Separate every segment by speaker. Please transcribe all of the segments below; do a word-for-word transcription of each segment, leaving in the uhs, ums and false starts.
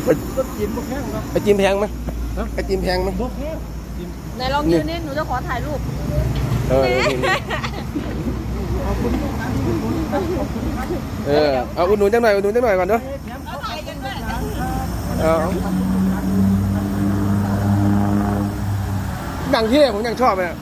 Speaker 1: ต้นจีนบ่แพงครับ
Speaker 2: ไอจิมแพงไหมไอจิมแพงไหม
Speaker 1: บ่แพง
Speaker 3: ไหนลองยืนนี่หนูจะขอถ่ายรูป
Speaker 2: เออเออเอาอุดหนุนจังหน่อยอุดหนุนจังหน่อยก่อนเนาะ
Speaker 3: เอาถ่ายกันด้วย
Speaker 2: เอาดังที่ผมยังชอบเลย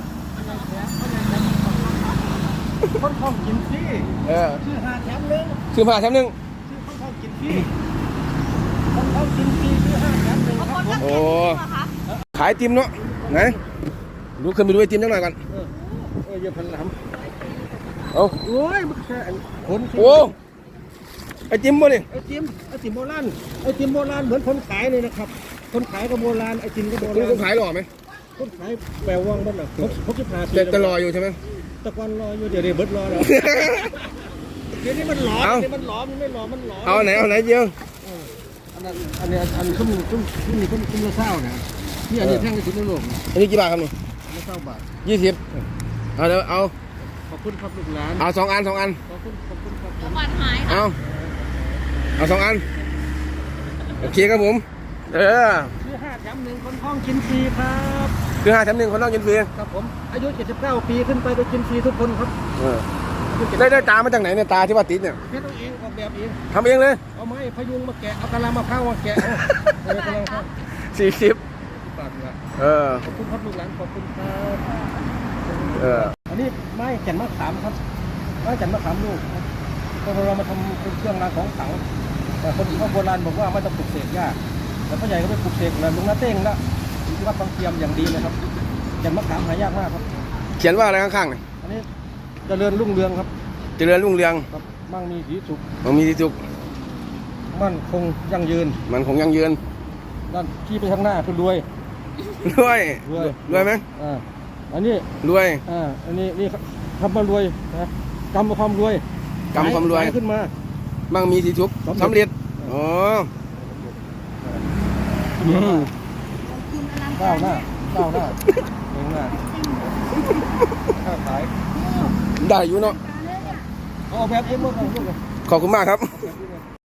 Speaker 1: คนท้องกินฟรี
Speaker 2: เออ
Speaker 1: ชื่อหาแถมนึง
Speaker 2: ชื่อผ้าแถมนึง
Speaker 1: ชื่อคนท้องกินฟรีคนท้องกินฟรีชื่อห้าแถมนึงครับ
Speaker 2: โอ้ขายติมเนาะไหนดูขึ้นไปดูไอติมจังหน่อยก่อน
Speaker 1: เออเอออย่าพันล
Speaker 2: ำเอา
Speaker 1: โอ้ยมันแค่คน
Speaker 2: โอ้ไอติมบ่นี่
Speaker 1: ไอติมไอติมโบราณไอติมโบราณเหมือนคนขายเลยนะครับคนขายก็โบราณไอติมก็โบราณ
Speaker 2: คนขายหล่อไหม
Speaker 1: คนขายแปลว่างบ้านน่ะเขาเขาจะพา
Speaker 2: แต่จะรออยู่ใช่ไหม
Speaker 1: ตะกอนรออยู่เดี๋ยวเดี๋ยวเบิดรอแล้วเดี๋ยวนี้มันหลอมเดี๋ยวมันหลอมมันไม่หลอมมันหลอม
Speaker 2: เอาไหนเอาไหนเยอะ
Speaker 1: อันนั้นอันนี้อันนี้เขามีเขามีเขามีเศร้าเนี่ยที่อันนี้แท่งกระถิ่นโลก
Speaker 2: อันนี้กี่บาทครับนี่
Speaker 1: ไม่เศร้าบาท
Speaker 2: ยี่สิบเอาเดี๋ยวเอา
Speaker 1: ขอบคุณครับลูกหลาน
Speaker 2: เอาสองอันสองอัน
Speaker 1: ขอบคุณขอบคุณครับ
Speaker 3: น้ำมันหาย
Speaker 2: เอาเอาสองอันโอเคครับผมเออ
Speaker 1: คือห้าแถมหนึ่งคนท้องกินฟรีครับ
Speaker 2: คือห้าแถมหนึ่งคนต้องกินฟรี
Speaker 1: ครับผมอายุเจ็ดสิบเก้าปีขึ้นไปได้กินฟรีทุกคนครับ
Speaker 2: ได้ได้ตามาจากไหนเนี่ยตาที่ว่าติดเนี่ย
Speaker 1: เพชรเองออกแบบเอง
Speaker 2: ทำเองเลย
Speaker 1: เอาไม้พยุงมาแกะเอากะลามาเข้ามาแกะเอากะลาเข้า
Speaker 2: สี่สิบ
Speaker 1: ปากละ
Speaker 2: เออ
Speaker 1: ขอบคุณครับลูกหลานขอบคุณครับ
Speaker 2: เออ
Speaker 1: อันนี้ไม้แก่นมะขามครับไม้แก่นมะขามลูกพอเรามาทำเป็นเครื่องรางของขลังแต่คนเขาโบราณบอกว่าไม่ต้องปลูกเสกยากแต่พ่อใหญ่ก็ไปปลูกเสกเลยลุงน้าเต้งละที่วัดบางเทียมอย่างดีเลยครับแก่นมะขามหายากมากครับ
Speaker 2: เขียนว่าอะไรข้างๆเนี่ย
Speaker 1: อันนี้เจริญรุ่งเรืองครับ
Speaker 2: เจริญรุ่งเรือง
Speaker 1: ครับมั่งมีสีสุข
Speaker 2: มั่งมีสีสุข
Speaker 1: มั่นคงยั่งยืน
Speaker 2: มันคงยั่งยืน
Speaker 1: ด้านที่ไปข้างหน้าคือรวย
Speaker 2: รวยรวยรวยไหม
Speaker 1: อ่าอันนี้
Speaker 2: รวย
Speaker 1: อ่าอันนี้นี่คำว่ารวยนะกำความรวย
Speaker 2: กำความรวย
Speaker 1: ขึ้นมา
Speaker 2: มั่งมีสีสุขสำเร็จอ๋อ
Speaker 1: ก้าวหน้าก้าวหน้าเองหน้าค้าขาย
Speaker 2: ได้อยู่เนาะ
Speaker 1: เอาแบบเอ็มเมื่อไหร่ลูก
Speaker 2: ขอบคุณมากครับ